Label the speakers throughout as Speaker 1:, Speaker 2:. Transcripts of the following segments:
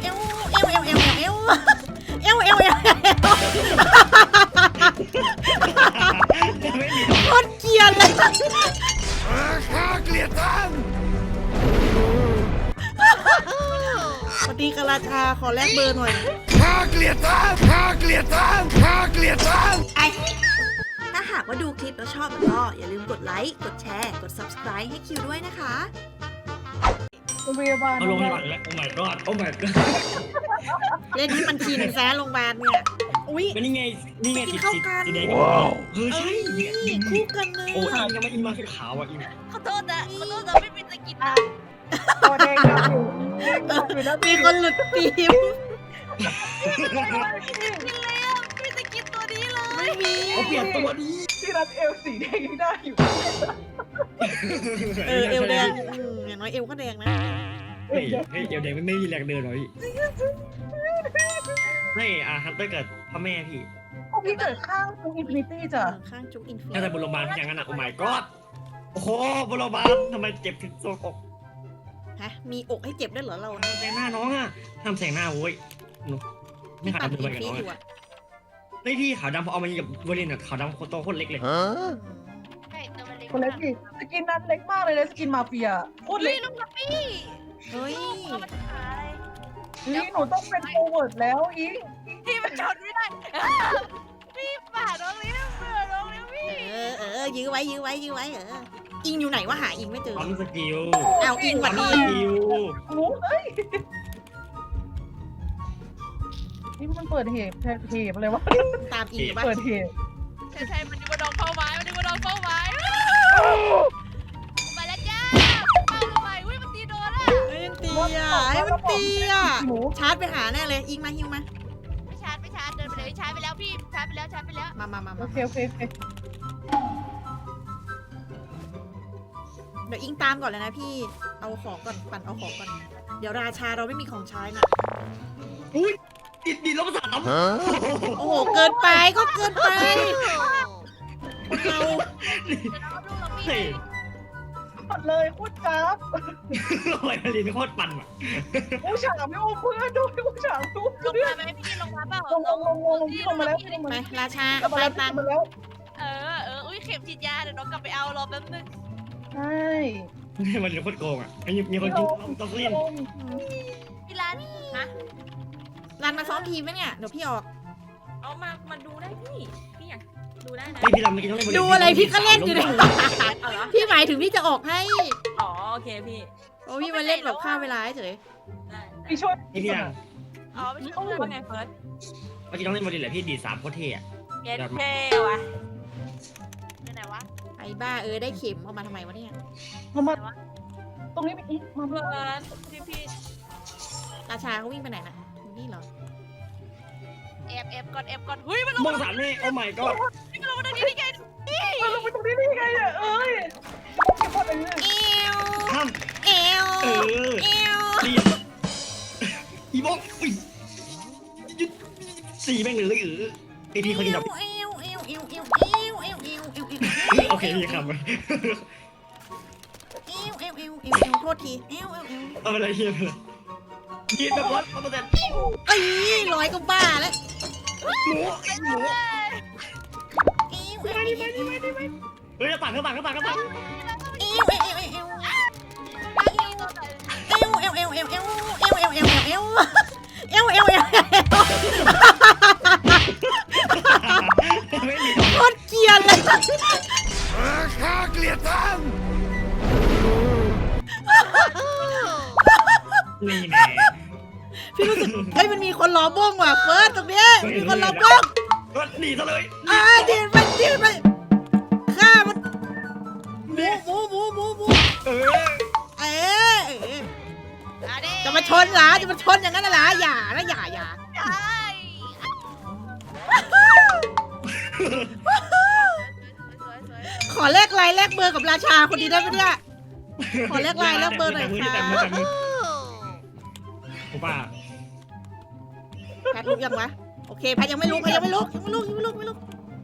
Speaker 1: เอวเอวเอวเอวเอวเอวเอวเอวเอว
Speaker 2: ไม่มี
Speaker 1: โคตรเกลียดเลย
Speaker 3: ข้าเกลียดท่าน
Speaker 1: สวัสดีกราชาขอแลกเบอร์หน่อย
Speaker 3: ข้าเกลียดท่านข้าเกลียดท่านข้าเกลียดท่าน
Speaker 1: ถ้าหากว่าดูคลิปแล้วชอบแล้วก็อย่าลืมกดไลค์กดแชร์กด subscribe ให้คิวด้วยนะคะ
Speaker 4: โรงพยาบาล
Speaker 2: เอาลงหลังแล้วโอ้ my god โอ้ my god
Speaker 1: เล่นให้มันชินแซะโรงพยาบาลเนี่ยอุ้ย
Speaker 2: ก็นี่ไงนี่ไงติด
Speaker 1: เข้ากัน
Speaker 2: สีแดงเออใช่เนี่ย
Speaker 1: คู่กันเลย
Speaker 2: โอ้อิงยังไม่อิงมาคือขาวอ่ะอิง
Speaker 5: ขอโทษนะไม่มีสกินนะ
Speaker 4: ตัวแดงอยู่อยู่แล้ว
Speaker 1: มีคนหลุดฟิล์ม
Speaker 5: กินเลยอ่ะไม่มีสกินตัวนี้เลย
Speaker 1: ไม่มี
Speaker 2: เขาเปลี่ยนตัวดี
Speaker 4: ที่รัดเอวสีแดงยังได้อยู่
Speaker 1: เออเอวแดงอย่างน้อยเอวก็แดงนะ
Speaker 2: เฮ้ยเฮ้ยเดี๋ยวเด็กไม่มีแรงเดินหรอพี่ไม่ฮันเตอร์เกิดพ่อแม่พี่
Speaker 4: พวกพี่เกิดข้างตรงอินฟินิตี้จ้ะ
Speaker 1: ข้างจุกอินฟิ
Speaker 2: น่าจะบนโรงพยาบาลอย่างนั้นอ่ะโอ้ my god โอ้โหบนโรงพยาบาลทำไมเจ็บถึงโซกอก
Speaker 1: ฮะมีอกให้เจ็บด้วยเหรอเรา
Speaker 2: แสงหน้าน้องอ่ะห้ามแสงหน้าโว้ยไม่ขาว
Speaker 1: ปั่น
Speaker 2: ดำ
Speaker 1: อิ
Speaker 2: เล
Speaker 1: น
Speaker 2: ยกับ
Speaker 1: ฟิ
Speaker 2: น้อง
Speaker 1: อยู่
Speaker 2: อ่ะ
Speaker 1: อะ
Speaker 2: ไม่พี่ขาวดำพอเอามายิงกับวอลเลนอ่ะขาวดำโคตรโตโคตรเล็กเลย
Speaker 5: ใช่ตัวมันเล็ก
Speaker 4: คนเล็กดิสกินนั้นเล็กมากเลยนะสกินมาเฟียโคตร
Speaker 5: เฮ้
Speaker 4: เล็
Speaker 5: ย
Speaker 4: ก
Speaker 5: ลูกกระปี้
Speaker 1: เฮ้ย
Speaker 5: ตัวมันขาย
Speaker 4: นี่หนูต้องเป็นโฟเวิร์ดแล้วอิง
Speaker 5: พี่มันชนไม่ได้พี่ป่าน้องเลี้ยงเบื่อน้องเลี้ยงพี่
Speaker 1: ยื้อไว้อิงอยู่ไหนวะหาอิงไม่เจอ
Speaker 2: ปั๊มสกิล
Speaker 1: เอาอิงหวั
Speaker 2: ปั๊
Speaker 1: ด
Speaker 2: ม
Speaker 1: ดี
Speaker 2: สกิล
Speaker 4: หนูเอ้ยนี่มันเปิดเหตุอะไรวะ
Speaker 1: ตามอิงอยู่บ้าน
Speaker 4: เปิดเหตุ
Speaker 5: ใช่มันนึกว่าน้องเข้าไม้มันนึกว่าน้องเข้าไม้ไปแล้วจ้าไปลงไปอุ้ยมันตีโดนอ่ะ
Speaker 1: เฮ้ยมันตีอ่ะเฮ้ยมันตีอ่ะ
Speaker 4: หนู
Speaker 1: ชาร์จไปหาแน่เลยอิงมาฮิวมา
Speaker 5: ไม่ชาร์จเดินไปเลยชาร์จไปแล้วพี่ชาร์จไปแล้ว
Speaker 1: มา
Speaker 4: โอเคโอเคโอเค
Speaker 1: เดี๋ยวอิงตามก่อนเลยนะพี่เอาของก่อนปั่นเอาของก่อนเดี๋ยวราชาเราไม่มีของใช้น่ะ
Speaker 2: อุ้ยดิดลบสาม
Speaker 1: โอ้โหเกินไปก็เกินไปคนเรา
Speaker 5: ลูกเราพี่
Speaker 2: เฮ้ย
Speaker 4: ปัดเลยโคตรจ้าบ
Speaker 2: โอ้ยลินโคตรปั่นอ่ะ
Speaker 4: ผู้ชายไม่โอ้เพื่อนด้วยผู้ชายลูก
Speaker 5: ลง
Speaker 4: เพื่อ
Speaker 5: มาน ไหมพี่ลงมาเปล่า
Speaker 4: ลงพี่ลงมาแล้วลงมา
Speaker 1: ไป
Speaker 4: แล้ว
Speaker 1: ราชา
Speaker 4: ลงมาแล้ว
Speaker 1: ตาม
Speaker 4: มาแล้ว
Speaker 5: อุ้ยเข็มฉีดยาเดี๋ยวน้องกลับไปเอารอแป๊บนึง
Speaker 4: ใช่
Speaker 2: มันโคตรโกงอ่ะมีคนกินต้องเล่น
Speaker 5: พี่ร้านฮะ
Speaker 1: รันมาซ้อมทีมไหมเนี่ยเดี๋ยวพี่ออก
Speaker 5: เอามาดูได้พี่อยากดูได้นะ
Speaker 2: ไม่พี่ลำเมื่อกี้ต้องเล่น
Speaker 1: ดูอะไรพี่ก็เล่นอยู่เนี่ย
Speaker 5: เอาเหรอ
Speaker 1: พี่หมายถึงพี่จะออกให้
Speaker 5: อ๋อโอเคพี่
Speaker 1: โอ้พี่มาเล่นแบบฆ่าเวลาเฉย
Speaker 4: พี่ช่วย
Speaker 2: นี่พี่ยัง
Speaker 5: อ๋อไม่ใช่เพื่อนว่าไงเฟิร์ส
Speaker 2: เมื่อกี้ต้องเล่นบอลลินแหละพี่ดีด3โคตรเท่อะ
Speaker 5: เย็นเท่ว่ะไหนวะ
Speaker 1: ไอ้บ้าได้เข็มเอามาทำไมวะเนี่ย
Speaker 4: มาตรงนี้ไปอีกมา
Speaker 5: เฟิร์สพี่
Speaker 1: ราชาเขาวิ่งไปไหนน่ะอยู่นี่เหรอ
Speaker 5: เอฟก่อนเฮ้ยมันลง
Speaker 2: มองสามนี่โอ้ my god
Speaker 5: มันลงมาได้ไง
Speaker 4: มาลงไปตรงนี้ได้ยังไงอ่ะเอ้ยพี่พอดเอง
Speaker 1: เอว
Speaker 2: ห้าม
Speaker 1: เอว
Speaker 2: เออ
Speaker 1: เอว
Speaker 2: เรียบอีบอกอุ้ย4แม่งเลยไอพี่เขากินแบบ
Speaker 1: เอว
Speaker 2: โอเคพี่คำ
Speaker 1: โทษทีเอว
Speaker 2: เอาอะไรเฮียเลยกินแบบ100%
Speaker 1: เอ้ยร้อยก็บ้าแล้ว
Speaker 2: หมู
Speaker 1: เอว
Speaker 2: เฮ้ยปั่นก็ปั่น ไม่มี
Speaker 1: โคตรเกลียดเลย
Speaker 3: ข้าเกลียดท่าน
Speaker 2: นี่แน่
Speaker 1: พี่รู้สึกเฮ้ยมันมีคนล้อบ้งว่ะเฟิร์สตรงนี้มีคนล้อบ้ง
Speaker 2: ก็หนีซะเลย
Speaker 1: ดีไปฆ่ามันหมู
Speaker 2: เออ
Speaker 1: เอ๊ะจะมาชนเหรอจะมาชนอย่างนั้นเหรออย่านะอย่า ขอแลกไลน์แลกเบอร์กับราชาคนนี้ได้ไหมเนี่ยขอแลกไลน์แลกเบอร์หน่อยค่ะ
Speaker 2: แต่มือผมว่า
Speaker 1: แพทลุกยังวะโอเคแพทยังไม่ลุกยังไม่ลุกยังไม่ลุกยังไม่ลุกไม่ลุก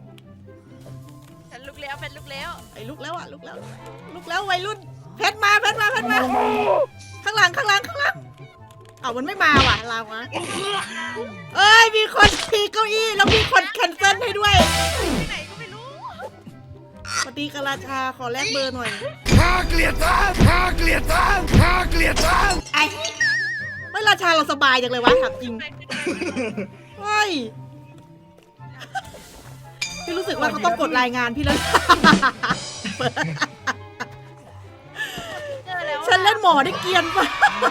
Speaker 5: ฉันลุกแล้วเป็นลุกแล้ว
Speaker 1: ไอ้ลุกแล้วอ่ะลุกแล้วลุกแล้ววัยรุ่นแพทมาแพทมาแพทมาข้างหลังข้างหลังข้างหลังเอามันไม่มาว่ะเราอะเอ้ยมีคนทีเก้าอี้แล้วมีคนแคนเซิลให้ด้วย
Speaker 5: ที่ไหนก็ไม่รู้
Speaker 1: สวัสดีกราชาขอแลกเบอร์หน่อย
Speaker 3: ข้าเกลียดท่านข้าเกลียดท่านข้าเกลียดท่าน
Speaker 1: ไอ้ไม่ราชาเราสบายจังเลยวะถามจริง
Speaker 5: ไปขึ้นไป
Speaker 1: เฮ้ยพี่รู้สึกว่าเขาต้องกดรายงานพี่แล้ว
Speaker 5: เจอแล้ว
Speaker 1: ฉันเล่นหมอได้เกรียนปะ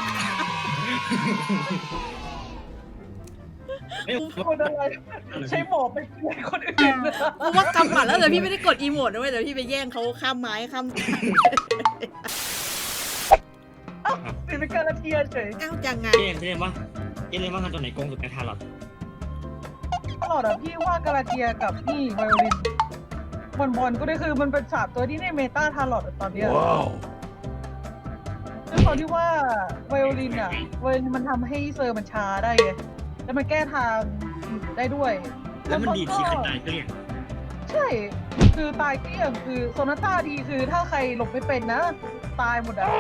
Speaker 4: คนอะไรใช้หมอไปช่วยคนอื่นนะ
Speaker 1: เพราะว่ากำหมัดแล้วแต่พี่ไม่ได้กดอีโมดนะเว้ยแต่พี่ไปแย่งเขาข้ามไม้ข้าม
Speaker 4: เป็นการเทียเฉย
Speaker 1: อ้าวจังไง
Speaker 2: เล่นว่ากันตัวไหนโกงสุดในทารอต
Speaker 4: ตลอดอะพี่ว่ากาลาเทียกับนี่ไวโอลินบอลก็ได้คือมันเป็นสามตัวที่ในเมตาทารอตตอนเนี้ย
Speaker 3: ว้าว
Speaker 4: ด้วยความที่ว่าไวโอลินอะไวโอลินมันทำให้เซอร์มันช้าได้ไงแล้วมันแก้ทางได้ด้วย
Speaker 2: แล้วมันดีที่ใครตายก็เรียก
Speaker 4: ใช่ คือตายเกลี้ยงคือโซนาต้าดีคือถ้าใครหลบไม่เป็นนะ ตายหมดอะ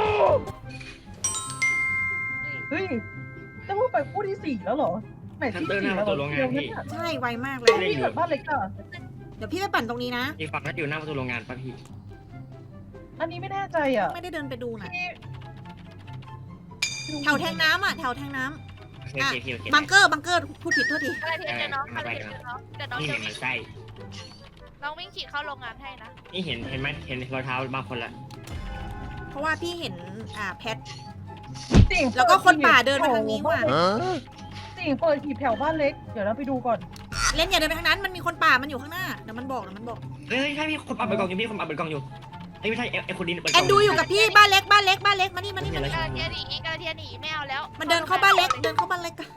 Speaker 4: เฮ้ยแต่ว่าไปคู่ที่4แล้วเหรอไหนที่4แล้วเหรอเดี๋ยวนั้นอะ
Speaker 1: ใช่ไวมากเลย
Speaker 4: พี่แบบบ้านเล็กอะ
Speaker 1: เดี๋ยวพี่ไปปั่นตรงนี้นะ
Speaker 2: อีกฝั่งนั้นอยู่หน้าประตูโรงงานป่ะพี่
Speaker 4: อันนี้ไม่แน่ใจอะ
Speaker 1: ไม่ได้เดินไปดูนะ
Speaker 4: พี่
Speaker 1: แถวแทงน้ำอ่ะแถวแทงน้
Speaker 2: โอเค
Speaker 1: ำบังเกอร์พูดผิดโทษที
Speaker 5: อะไรที่เจอน้องอะไรที่เจอน้องเดี๋ยวน้อง
Speaker 2: นี่
Speaker 5: จะ
Speaker 2: เห็น
Speaker 5: วิ่
Speaker 2: มั
Speaker 5: ง
Speaker 2: นไส้
Speaker 5: น้องวิ่งขี่เข้าโรงงานให้นะ
Speaker 2: นี่เห็นไหมเห็นรอยเท้าบางคนละ
Speaker 1: เพราะว่าพี่เห็นแพท
Speaker 4: จริง
Speaker 1: แล้วก็คนป่าเดินมาทางนี้ว่ะ
Speaker 4: จริงเปิดหีบแถวบ้านเล็กเดี๋ยวเราไปดูก่อน
Speaker 1: เล่นอย่าเดินไปทางนั้นมันมีคนป่ามันอยู่ข้างหน้าเดี๋ยวมันบอก
Speaker 2: เฮ้ยใช่พี่คนอับเปิดกล่องอยู่พี่คนอับเปิดกล่องอยู่ไม่ใช่ไอ้คนดินเปิดก
Speaker 1: แอ
Speaker 2: ล่อง
Speaker 1: นดูอยู่กับพี่บ้านเล็กมานี่
Speaker 5: กาลาเทียหนีไม่เอาแล้ว
Speaker 1: มันเดินเข้าบ้านเล็กกัน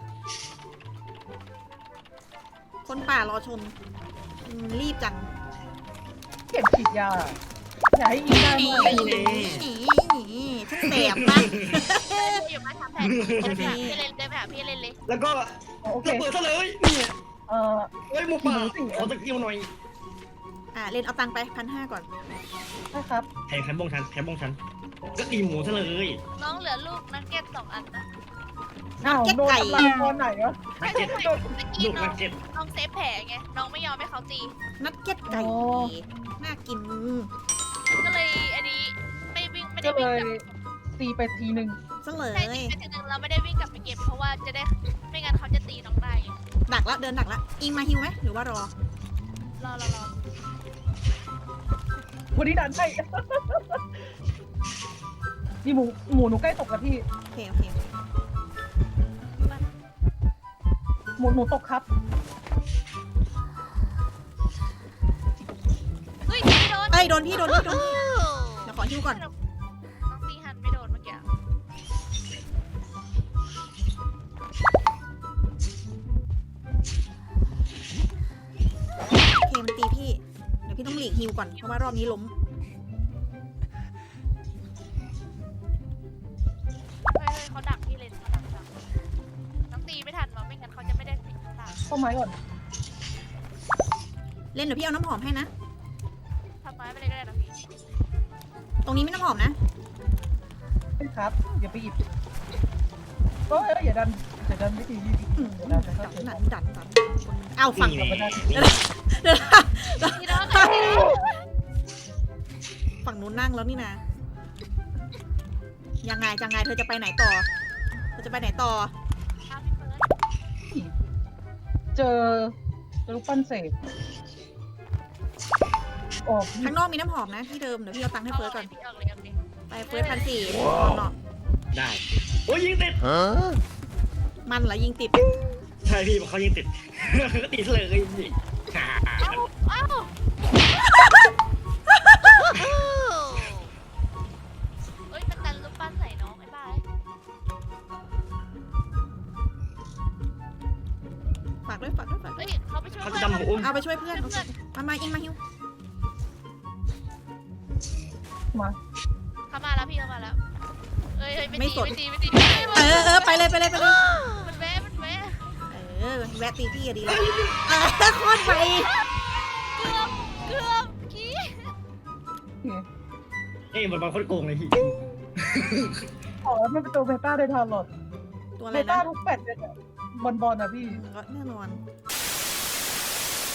Speaker 1: คนป่ารอชนรีบจัง
Speaker 4: เก็บฉีดยาอย่าให้ยิงได้
Speaker 1: หนี
Speaker 4: ด้วย
Speaker 1: ฉันแสบปะ
Speaker 5: อยู่มาทำแผนพี่เล่นได้ไหมพี่เล่นเลย
Speaker 2: แล้วก็
Speaker 4: โอเค
Speaker 2: ระเบิดซะเลยนี่
Speaker 4: เอ่อ
Speaker 2: เฮ้ยหมูป่าขอตะกิ้วหน่อย
Speaker 1: เล่นเอาตังค์ไป1,500ก่อน
Speaker 4: นะครับ
Speaker 2: แทงบงชันก็ตีหมูซะเลย
Speaker 5: น้องเหลือลูกนักเก็ต2 อันนะ
Speaker 4: อ้าวโดนทำลายตอนไหนวะ
Speaker 2: นักเก็ต
Speaker 5: เมื่อ
Speaker 2: ลู
Speaker 5: กี้
Speaker 2: ก
Speaker 5: น้
Speaker 2: นั
Speaker 5: อง
Speaker 2: กเก็ต
Speaker 5: น้องเซฟแผลไงน้องไม่ยอมให้เขาตี
Speaker 1: นัดเก็ตไก่น่ากิน
Speaker 5: ก็เลยอันนี้ไม่วิ่งไม่ได้
Speaker 4: ก็เล
Speaker 5: วิ่ง
Speaker 4: ย
Speaker 5: กลับ
Speaker 4: ตีไปทีหนึ่ง
Speaker 1: ซะเล
Speaker 5: ใช่
Speaker 1: ย
Speaker 5: ตีไปทีนึงเราไม่ได้วิ่งกลับไปเก็บเพราะว่าจะได้ไม่งั้นเขาจะตีน้องได้ไง
Speaker 1: ดักละเดินดักละอิงมาฮิวไหมหรือว่ารอ
Speaker 5: รอ
Speaker 4: วันนี้ดันให้ นี่หมูหนูใกล้ตกแล้วพี่
Speaker 1: โอเค
Speaker 4: หมูตกครับ
Speaker 5: เฮ้ยไม่โดน
Speaker 1: เอ้ยโดนพี่เดี๋ยวขอฮิวก่อน
Speaker 5: น้องตีหันไม่โดนเมื่อกี้
Speaker 1: โอเคมันตีพี่เดี๋ยวพี่ต้องหลีกฮิวก่อนเพราะว่ารอบนี้ล้ม
Speaker 5: เฮ้ยเขาดักพี่เลยเขาดักน้องตีไม่ทันวะไม่งั้นเขาจะไม่ได้ตีข้างหลัง
Speaker 4: เข้าไม้ก่อน
Speaker 1: เล่นเดี๋ยวพี่เอาน้ำหอมให้นะ
Speaker 5: ทำไมไม่ได้ก็ได้นะพี่
Speaker 1: ตรงนี้ไม่น้ำหอมนะ
Speaker 4: ครับอย่าไปหยิบก็อย่าดันไม่ดีอย่าดันนะครับ
Speaker 1: ดันเอาฝั่ง
Speaker 2: นี่แหละ
Speaker 5: ตีน้องตีน้อง
Speaker 1: ฝั่งนู้นนั่งแล้วนี่นะยังไงเธอจะไปไหนต่อ
Speaker 5: ครับพี่เฟิร์ส
Speaker 4: เจอลูกปั้นเสกออก
Speaker 1: ข้างนอกมีน้ำหอมนะที่เดิมเดี๋ยวพี่เอาตังค์ให้เฟิร์สก่อน
Speaker 5: พี่ออกเลย
Speaker 1: ไปเฟิร์ส1,400เนาะ
Speaker 2: ได้โอ้ยยิงติด
Speaker 1: มันเหรอยิงติด
Speaker 2: ใช่พี่เขายิงติดก็ติดเลย
Speaker 5: เอ้าเอ้ยมันดันลูกปั้นใส่น้องไอ้บ้า
Speaker 1: ฝากด้วย
Speaker 5: เอ้ยเขาไปช่วย
Speaker 2: เขา
Speaker 5: เพื่
Speaker 2: จะ
Speaker 5: อน
Speaker 2: ดำหมูอุ้ม
Speaker 1: เอาไปช่วยเพื่อนมาอิงมาฮิว
Speaker 4: มา
Speaker 5: เขามาแล้วพี่เข้ามาแล้วเอ้ย
Speaker 1: ไม่
Speaker 5: ไม่
Speaker 1: ส
Speaker 5: ตี
Speaker 1: น
Speaker 5: ไม่ตีไม่ตี
Speaker 1: ไปเลย
Speaker 5: มันแวะ
Speaker 1: แวะตีพี่อะดีแล้วโคตรไป
Speaker 5: เกือบกี้
Speaker 2: เอ้ยมันมาโคตรโกงเลยพี่
Speaker 4: อ๋อแล้วมันเป็นตัวเบต้าได้ทันหรอ
Speaker 1: ตัวอะไร
Speaker 4: เบต้า
Speaker 1: นะ
Speaker 4: ทุกแปดเลยอะบอลอะพี่
Speaker 1: ก็แน่นอน